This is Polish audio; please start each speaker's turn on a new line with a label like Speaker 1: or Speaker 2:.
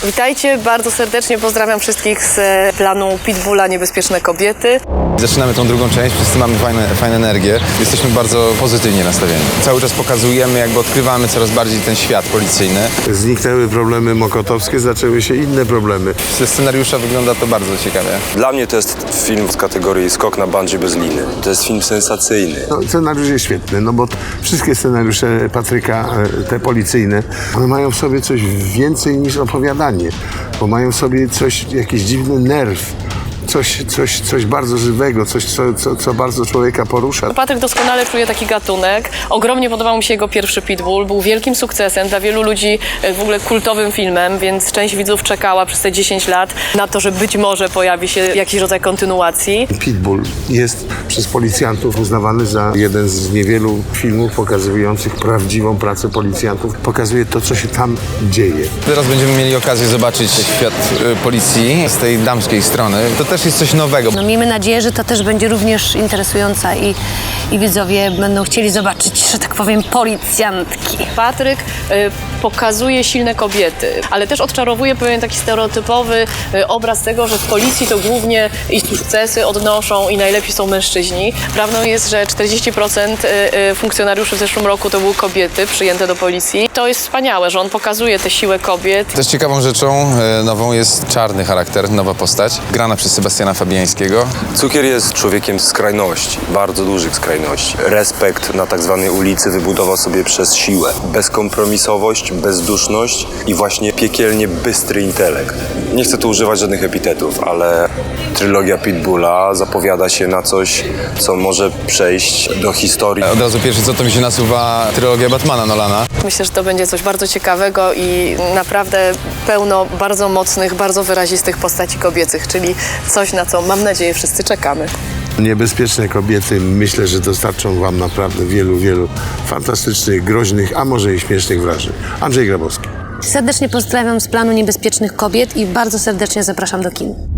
Speaker 1: Witajcie, bardzo serdecznie pozdrawiam wszystkich z planu Pitbulla Niebezpieczne Kobiety.
Speaker 2: Zaczynamy tą drugą część, wszyscy mamy fajną energię, jesteśmy bardzo pozytywnie nastawieni. Cały czas pokazujemy, jakby odkrywamy coraz bardziej ten świat policyjny.
Speaker 3: Zniknęły problemy mokotowskie, zaczęły się inne problemy.
Speaker 2: Ze scenariusza wygląda to bardzo ciekawie.
Speaker 4: Dla mnie to jest film z kategorii skok na bungee bez liny. To jest film sensacyjny.
Speaker 3: No, scenariusz jest świetny, no bo wszystkie scenariusze Patryka, te policyjne, one mają w sobie coś więcej niż opowiadanie, bo mają w sobie coś, jakiś dziwny nerw. Coś bardzo żywego, coś, co bardzo człowieka porusza.
Speaker 1: Patryk doskonale czuje taki gatunek. Ogromnie podobał mi się jego pierwszy Pitbull. Był wielkim sukcesem, dla wielu ludzi w ogóle kultowym filmem, więc część widzów czekała przez te 10 lat na to, że być może pojawi się jakiś rodzaj kontynuacji.
Speaker 3: Pitbull jest przez policjantów uznawany za jeden z niewielu filmów pokazujących prawdziwą pracę policjantów. Pokazuje to, co się tam dzieje.
Speaker 2: Teraz będziemy mieli okazję zobaczyć świat policji z tej damskiej strony. To też jest coś nowego.
Speaker 5: No, miejmy nadzieję, że to też będzie również interesująca i widzowie będą chcieli zobaczyć, że tak powiem, policjantki.
Speaker 1: Patryk pokazuje silne kobiety, ale też odczarowuje pewien taki stereotypowy obraz tego, że w policji to głównie i sukcesy odnoszą i najlepiej są mężczyźni. Prawdą jest, że 40% funkcjonariuszy w zeszłym roku to były kobiety przyjęte do policji. To jest wspaniałe, że on pokazuje tę siłę kobiet.
Speaker 2: Też ciekawą rzeczą nową jest czarny charakter, nowa postać, grana przez Sebastiana Fabiańskiego.
Speaker 4: Cukier jest człowiekiem skrajności, bardzo dużych skrajności. Respekt na tak zwanej ulicy wybudował sobie przez siłę. Bezkompromisowość, bezduszność i właśnie piekielnie bystry intelekt. Nie chcę tu używać żadnych epitetów, ale trylogia Pitbulla zapowiada się na coś, co może przejść do historii.
Speaker 2: Od razu pierwsze co to mi się nasuwa trylogia Batmana Nolana.
Speaker 1: Myślę, że to będzie coś bardzo ciekawego i naprawdę pełno bardzo mocnych, bardzo wyrazistych postaci kobiecych, czyli coś, na co mam nadzieję wszyscy czekamy.
Speaker 3: Niebezpieczne kobiety, myślę, że dostarczą wam naprawdę wielu fantastycznych, groźnych, a może i śmiesznych wrażeń. Andrzej Grabowski.
Speaker 5: Serdecznie pozdrawiam z planu Niebezpiecznych Kobiet i bardzo serdecznie zapraszam do kin.